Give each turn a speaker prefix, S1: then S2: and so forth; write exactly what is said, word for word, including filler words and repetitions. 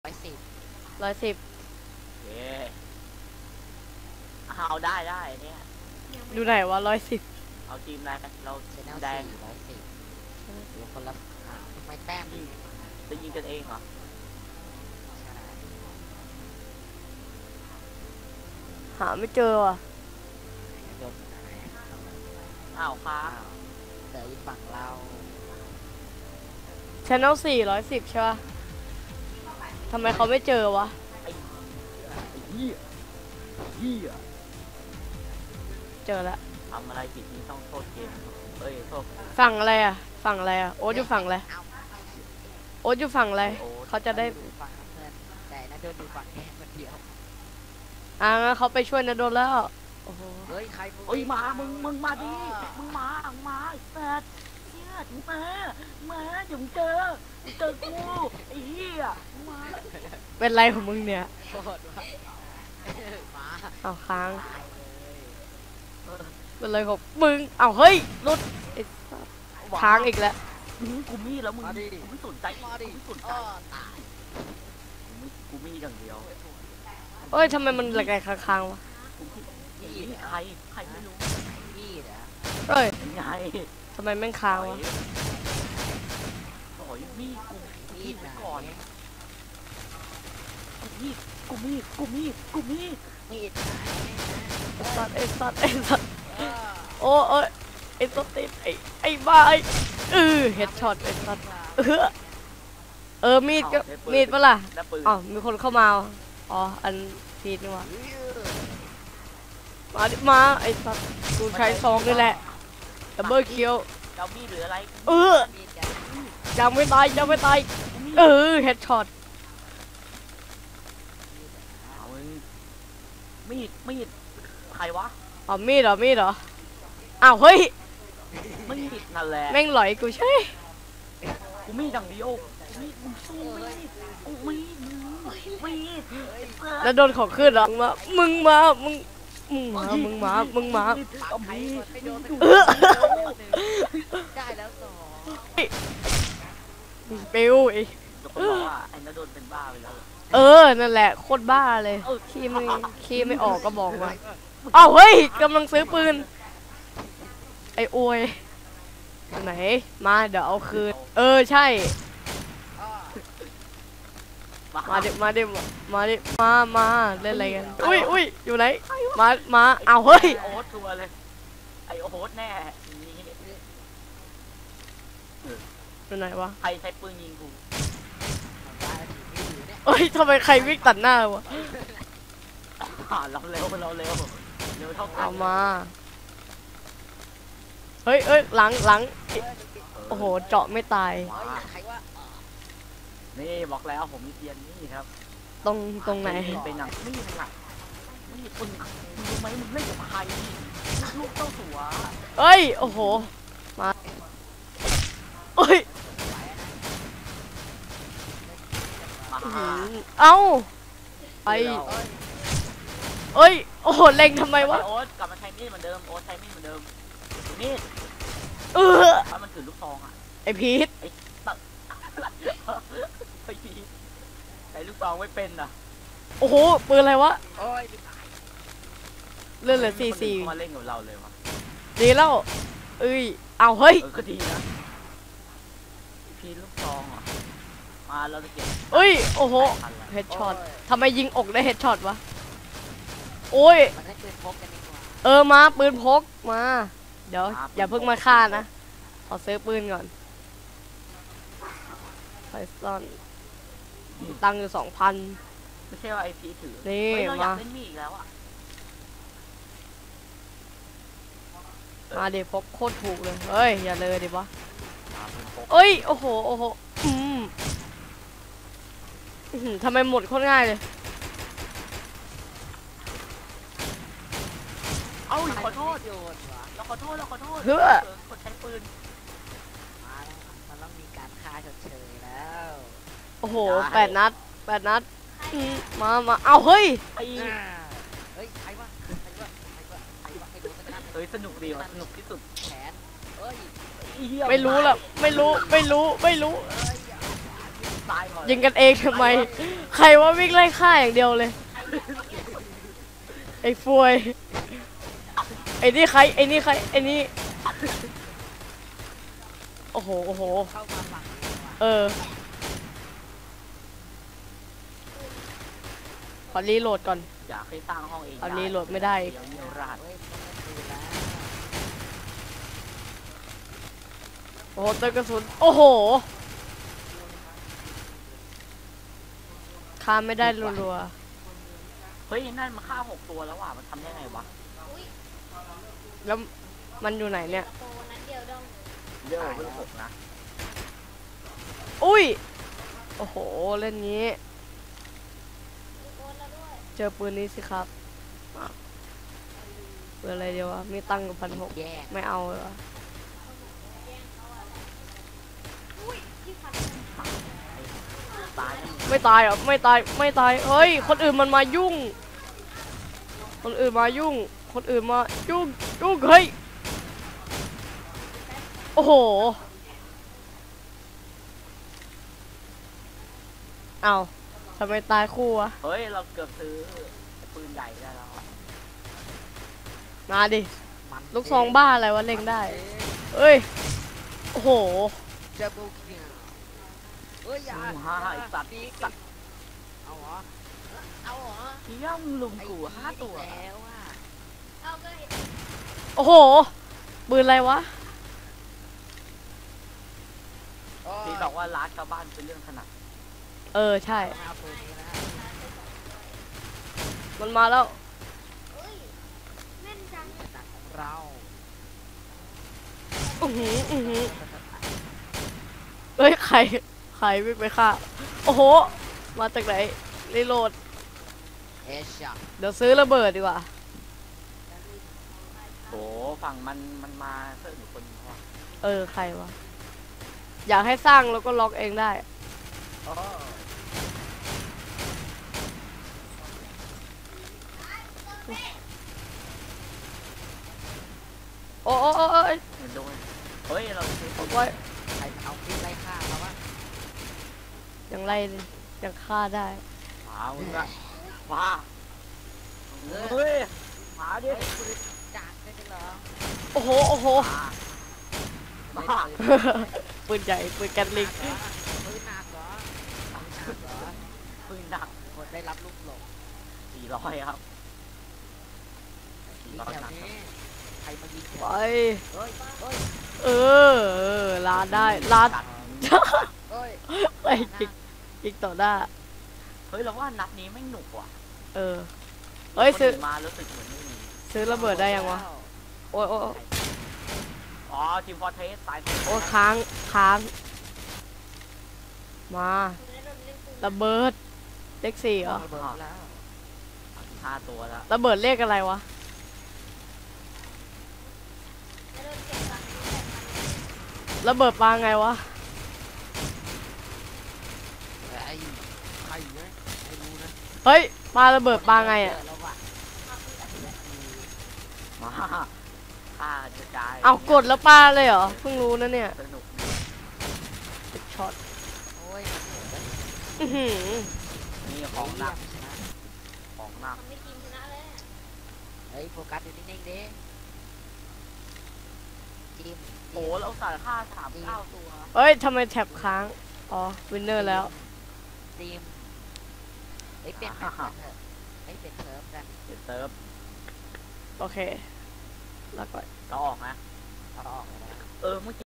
S1: ร้อยสิบ
S2: ร้อยสิบ
S3: เย้เอาได้ได้เนี่ย
S2: ดูไหนวะร้อยสิบ
S3: เอาทีมอะไรกันเรา
S1: เชนแนล
S3: แดง
S1: สี่ร้อยสิบหรือคนละไม่แต้ม
S3: ยิงจะยิงกันเองเหรอ
S2: หาไม่เจอว่ะ
S1: โยนไหน
S3: อ้าวค้า
S1: เดี๋ยวอีกฝั่งเรา
S2: Channel สี่ร้อยสิบใช่ป่ะทำไมเขาไม่เจอวะ
S3: ไอ้เหี้ยเหี้ย
S2: เจอแล้ว
S3: ทำอะไรผิดนี่ต้องโทษเกมเอ้ยโทษ
S2: ฝั่งอะไรอ่ะฝั่งอะไรอ่ะโอ๊ตอยู่ฝั่งอะไรโอ๊ตอยู่ฝั่งอะไรเขาจะได้
S1: ฝั่งเพื่อนแต่น่าโดนดูฝั่งแค่คนเดียว
S2: อ่างั้นเขาไปช่วยนะโดนแล้วโอ้โห
S1: เฮ้ยใคร
S3: เอ้ยมามึงมึงมาดิมึงมามึงมาไอ้แฟดเหี้ยมึงมามาเดี๋ยวมึงเจอมึงเจอกูไอ้เหี้ยมึงมา
S2: เป็นไรของมึงเนี่ย
S1: โคตรว่ะมา
S2: เอาค้าง
S1: ตายเลย
S3: เออ
S2: เป็นไรของมึงเอาเฮ้ยรุดไอ้สัสค้างอีกแล้ว
S3: มึงกูมีดแล้วมึง
S1: มาดิ
S3: กูไม่สนใจ
S1: มาดิ
S3: กูไม่สนใจ
S1: อ้อตาย
S3: กูมีกูมีดอย่างเดียว
S2: เอ้ยทำไมมันแหลกๆค้างๆวะ
S3: กูมี
S1: นี่
S3: นี่
S1: เหรอ
S3: ใครใครไม่รู้
S1: นี่เหรอ
S2: เอ้ย
S3: ยังไง
S2: ทำไมแม่งค้างวะ
S3: โอ้ยมีดกู
S1: นี่
S3: มีด
S1: ไหน
S3: ไว้ก่อนกูมีดกูมีดกูมีดกูมีด
S1: นี่ไหน
S2: สัตว์ไอ้สัตว์ไอ้สัตว์
S1: เออ
S2: โอ้เอ้ยไอ้ตัวติดไอ้ไอ้บ้าไอ้เออเฮดช็อตไอ้สัตว์เออเออมีดก็มีดปะล่ะ
S3: และปืน
S2: อ๋อมีคนเข้ามาอ๋ออันพีดนี่วะมาดิมาไอ้สัตว์กูใช้ซองนี่แหละดับเบิลคิว
S3: จะเอามีดหรืออะไร
S2: เออ
S1: มีดกัน
S2: ยังไม่ตายยังไม่ตาย
S3: กูมีด
S2: เออเฮดช็อต
S3: เอามึงมีดมีดใครวะ
S2: อ๋อมีดเหรอมีดเหรออ้าวเฮ้ย
S3: มีดนั่นแหละ
S2: แม่งหลอยกูใช่
S3: กูมีดอย่างเดียวกูมีดมึงสู้มีดกูมีดมึงมีด
S2: แล้วโดนของขึ้นเหรอมึงมามึงมึงมามึงมามึงมา
S3: เอามีด
S1: ไม่โดน
S2: เออ
S1: ได้แล้วสอง
S2: ปิวไอ้
S3: จะบอกว่าไอ้นโดนเป็นบ้าไปแล้ว
S2: เออนั่นแหละโคตรบ้าเลยขี้ไม่ขี้ไม่ออกก็บอกมาอ้าวเฮ้ยกำลังซื้อปืนไอ้อวยไหนมาเดี๋ยวเอาคืนเออใช่มาดิมาดิมาดิมามาเล่นอะไรกันอุ้ยอุ้ยอยู่ไหนมามาอ้าวเฮ้ย
S3: ไอโอ๊ตตัวเลยไอโอ๊ตแน่นี่
S2: อยู่ไหนวะ
S3: ใครใช้ปืนยิงกู
S1: ได้ที่อยู่เนี่ย
S2: เอ้ยทำไมใครวิ่งตัดหน้าวะ
S3: อ่าเราเร็วเราเร็วเร็วเท่ากัน
S2: เอามาเฮ้ยเอ้ยหลังหลังโอ้โหเจาะไม่ตาย
S1: เฮ้ยใครว่า
S3: นี่บอกแล้วผมมีเทียนนี่ครับ
S2: ตรงตรงไหน
S3: เป็นหนังนี่หนังนี่ปืนมึงรู้ไหมมึงเล่นกับใครลูกเจ้าสัว
S2: เอ้ยโอ้โหมาเอ้ย
S3: มา
S2: อื้อหือเอ้าไปเอ้ยโอ้โหเล็งทำไมวะ
S3: โอ๊ตกลับมาใช้มีดเหมือนเดิมโอ๊ตใช้มีดเหมือนเดิมมีด
S2: เออ
S3: ถ้ามันถือลูกซองอ่ะ
S2: ไอพีท
S3: ตัดไอ้พีใช้ลูกซองไม่เป็นอ่ะ
S2: โอ้โหปืนอะไรวะ
S1: โอ้ย
S2: เลื่อนเหลือสี่สี่
S3: มาเล่นกับเราเลยวะ
S2: ดีแล้วเอ้ยเอาเฮ้ย
S3: เออก็ดีนะพีลูกซองอ่ะมาเราจะเก็บ
S2: เอ้ยโอ้โหเฮดช็อตทำไมยิงอกได้เฮดช็อตวะโอ้ย
S1: มันให้ปืนพกกันดีกว่า
S2: เออมาปืนพกมาเดี๋ยวอย่าเพิ่งมาฆ่านะขอซื้อปืนก่อนไพซอนตังค์อยู่สองพัน
S3: ไม่ใช่ว่าไอพีถือ
S2: นี่
S3: เฮ้ยเราอยาก
S2: มา
S3: เล่นมีอีกแล้วอ่ะ
S2: มาเดี๋ยวพกโคตรถูกเลยเฮ้ยอย่าเลยดิวะ
S3: มาเป็นพก
S2: เอ้ยโอ้โหโอ้โหอืมอื้อหือทำไมหมดโคตรง่ายเลย
S3: เอ้าขอโทษ
S1: โยนวะ
S3: เราขอโทษเราขอโทษ
S2: เพื่อ
S3: คนใช้ปืน
S1: มาแล้วมันต้องมีการฆ่าชดเชยแล้ว
S2: โอ้โหแปดนัดแปดนัดอืมมามาเอาเฮ้ย
S3: ไอ้
S1: อ่าเฮ้ยใครวะใครวะใครวะใครวะใครโดนสักนัด
S3: เฮ้ยสนุกดีว่ะสนุกที่สุด
S1: แขนเอ้ย
S3: อ้เหี้ย
S2: ไม่รู้ละไม่รู้ไม่รู้ไม่รู้
S1: เอ้ย
S3: ตายก่อน
S2: ยิงกันเองทำไม ใครว่าวิ่งไล่ฆ่าอย่างเดียวเลย ไอ้ฟวย ไอ้นี่ใคร ไอ้นี่ใคร ไอ้นี่ โอ้โห โอ้โห
S1: เข้ามาฝั่งนี้ดีกว่า
S2: เออ ขอรีโหลดก่อน
S3: อยากให้สร้างห้องเอง
S2: เอารีโหลดไม่ได้อีก
S3: เดี๋ยวมีรหัส
S1: เฮ้ยต้องเล่นปืนแล้ว
S2: โอ้โหเติมกระสุน โอ้โหฆ่าไม่ได้รัว
S3: เฮ้ยนั่นมันฆ่าหกตัวแล้วว่ะมันทำได้ไงวะ
S2: ๆ แล้วมันอยู่ไหนเนี่ย
S4: โตนั้นเดียวดอง
S3: เยอะเวลหกนะ
S2: อุ้ย โอ้โห เล่นงี้
S4: มีโอนแล้วด้วย
S2: เจอปืนนี้สิครับปืนอะไรเดียววะ มีตังค์กับพันหก
S1: แย่
S2: ไม่เอาเลยวะ
S4: อุ้ยที่ฟัน
S3: ตายดิ
S2: ไม่ตายเหรอ ไม่ตาย ไม่ตาย เฮ้ย คนอื่นมันมายุ่ง คนอื่นมายุ่ง คนอื่นมายุ่ง ยุ่ง เฮ้ย โอ้โห เอาทำไมตายคู่วะ
S3: เฮ้ยเราเกือบซื้อปืนใหญ่ได้แล้ว
S2: มาดิ
S1: มัน
S2: ลูกซองบ้าอะไรวะเล็งได้ เอ้ย โอ้โห
S1: เจอบูคิงเฮ้ยอย่า
S3: ห้าไอ้สัตว์
S1: ปีก
S3: สัตว์
S1: เอาเหรอเอาเหรอ
S3: เที่ยงลุมกูห้าตัว
S1: ไอ้แล้วอ่ะ
S4: เอาก็เห็น
S2: โอ้โห ปืนอะไรวะ
S1: โอ้ย
S3: ที่บอกว่าร้านชาวบ้านเป็นเรื่องถนัด
S2: เออ ใช่
S1: เอาปืนนี้นะ
S2: มันมาแล้ว
S4: เอ้ยแม่นจัง
S1: ตัดของเรา
S2: อือหืออือหือเอ้ย ใคร ใครวิ่งไปฆ่า โอ้โห มาจากไหนรีโหลด
S1: เอชช็อต
S2: เดี๋ยวซื้อระเบิดดีกว่า
S3: โอ้ฝั่งมันมันมาเพิ่มอยู่คนนึงว่ะ
S2: เออ ใครวะ อยากให้สร้างแล้วก็ล็อกเองได้
S3: อ๋อ
S2: โอ้โอ้โอ้โอ้ย
S3: เห็นโดนเฮ้ยเราซื้อ
S2: บอกไว้
S1: ใครเอาปืนไล่ฆ่าเราวะ
S2: ยังไล่ยังฆ่าได้
S3: หมามึงอะมาเฮ้ยหมาดิ
S1: เฮ้ยปืนจากได้จริงเหรอ
S2: โอ้โห โอ้โห
S3: มา
S1: เฮ้
S3: มาย
S1: ปืน
S2: ปืนใหญ่ ปืนแกันลิง
S1: ปืนหนักเหรอปืนหนักเหรอ
S3: ปืนหนัก
S1: คนได้รับลูกหลง
S3: สี่ร้อยครับสี่
S1: ยิง
S3: ร้อย
S1: แถว
S3: หนัก
S1: นี้ใครมายิงแถว
S2: ไป
S1: เฮ้ยเฮ้ย
S2: เออเออลาดได้ลาด
S1: เฮ้ย
S2: ไปจิกจิกต่อหน้า
S3: เฮ้ยเราว่านัดนี้ไม่หนุกว่ะ
S2: เออ เฮ้ย ซื้อ
S3: คนนมารู้สึกเหมือนไม่มี
S2: ซื้อระเบิดได้ยังวะ โอ้ยโอ้ยโอ้ย
S3: อ๋อทีมฟอร์เทสตาย
S2: โอ้ยค้าง ค้าง มา
S4: คุณได้โดนเล่นปืน
S2: ระเบิด เลขสี่เหรอ
S1: ระเบิดแล้ว
S3: ห้าตัวแล้ว
S2: ระเบิดเลขอะไรวะ
S4: ได้โดนเก็บตังค์แต่มัน
S2: ระเบิดปลาไงวะ
S1: ไอ้ใครเนี่ยไม่รู้นะ
S2: เฮ้ย ปลาระเบิดปลาไงอ่ะ
S1: แล้วว่ะ
S3: มาฆ่ากระจาย
S2: เอากดแล้วปลาเลยเหรอ เพิ่งรู้นะเนี่ย
S3: สนุก
S2: ติดช็อต
S1: โอ้ยมันโหดนะ
S2: อื้อหือ
S3: มีของหนัก
S1: ชนะ
S3: ของหนัก
S4: ทำให้ทีมชนะเลยอะ
S1: เฮ้ยโฟกัสอยู่นิ่งๆดิทีม
S3: โอ้เราสารฆ่าสามเก้าตัว
S2: เฮ้ย ทำไมแท็บค้าง อ๋อ วินเนอร์แล้ว
S1: ทีมเฮ้ยเปลี่ยนแมปกันเถอะเฮ้ยเปลี่ยนเซิร์ฟกัน
S3: เดี๋ยวเซิร์ฟ
S2: โอเค แล้วก็
S3: เราออกนะ
S1: เอาออกเลยนะ
S3: เออเมื่อกี้